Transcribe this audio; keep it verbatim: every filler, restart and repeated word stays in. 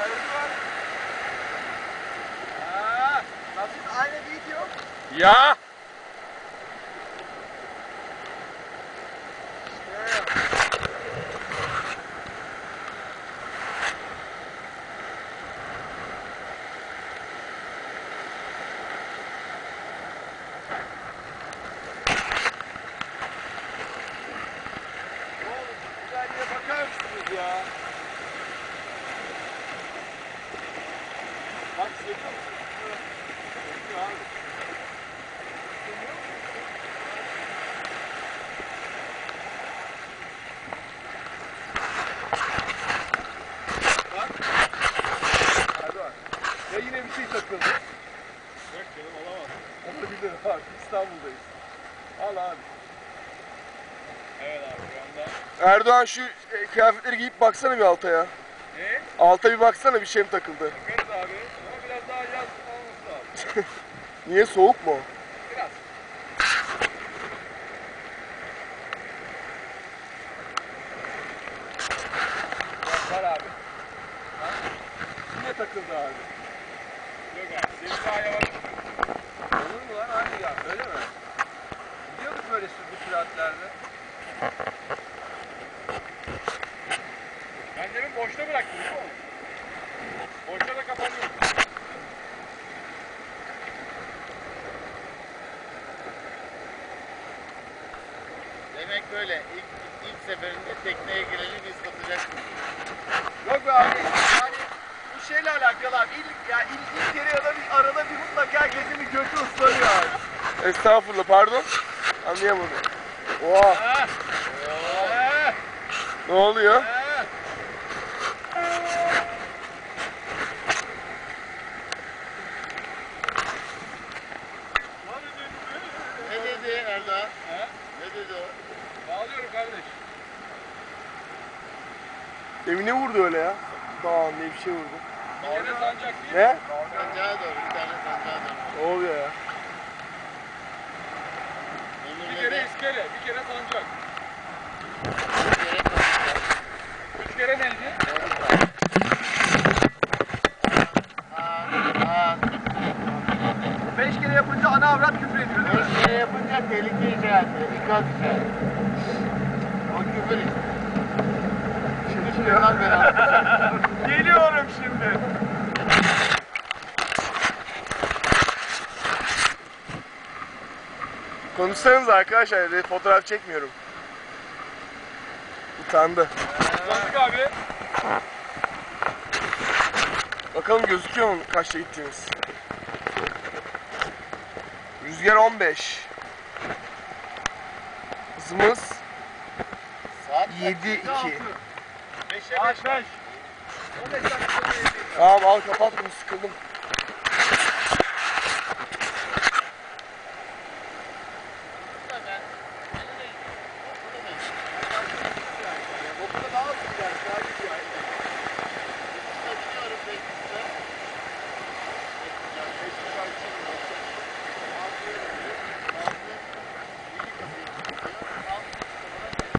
Aa, nasıl aynı video? Ya! Bakar mısınız ya? Bak seviyor musun? Seviyor abi. Bak. Hadi bak. Ya yine bir şey takıldı. Yok canım olamaz. Olabilir abi. İstanbul'dayız. Al abi. Evet abi şu anda. Erdoğan şu e, kıyafetleri giyip baksana bir alta ya. Ne? Alta bir baksana, bir şey mi takıldı? Bakarız abi. Ama biraz daha yaz olması lazım. Niye, soğuk mu? Biraz. Var abi. Ha? Yine takıldı abi. Yok abi. Senin daha yavaş. Olur mu lan abi ya? Öyle mi? Gidiyorduk böyle sürdü süratlerde. Ben demin boşta bıraktım değil mi oğlum? Boşta da kapanıyor. Demek böyle ilk, ilk seferinde tekneye gireni biz satacaksın. Yok be abi. Yani bu şeyle alakalı abi. İlk, yani ilk, ilk kere ya da bir arada bir mutlaka herkesin bir götü ıslanıyor abi. Estağfurullah, pardon. Anlayamadım. Oha, Ha. Ha. ne oluyor? Ha. Ne dedi Erdoğan? Ha? Ne dedi o? Bağlıyorum kardeş. Demin ne vurdu öyle ya? Dağın diye bir şey vurdu. Bir kere sancak değil mi? Ne? Sancağa doğru, bir tane sancağa doğru. Ne oluyor ya? Onur Bir ne kere de? iskele, bir kere sancak. Bir kere sancağa. Üç kere neydi? Aa, aa. Beş kere yapınca ana avrat küfür ediyor değil mi? Beş kere yapınca tehlike işareti, ikaz işareti. O küfür işte. Şimdi çıkıyorlar beraber. Geliyorum şimdi. Konuşsanız arkadaşlar, de fotoğraf çekmiyorum. Utandı. Sandık abi. Bakalım gözüküyor mu kaçta gittiğimiz? Rüzgar on beş. Hızımız Saat yedi iki. Beşe beş. beş. on beş dakika. Tamam, al kapat bunu, sıkıldım.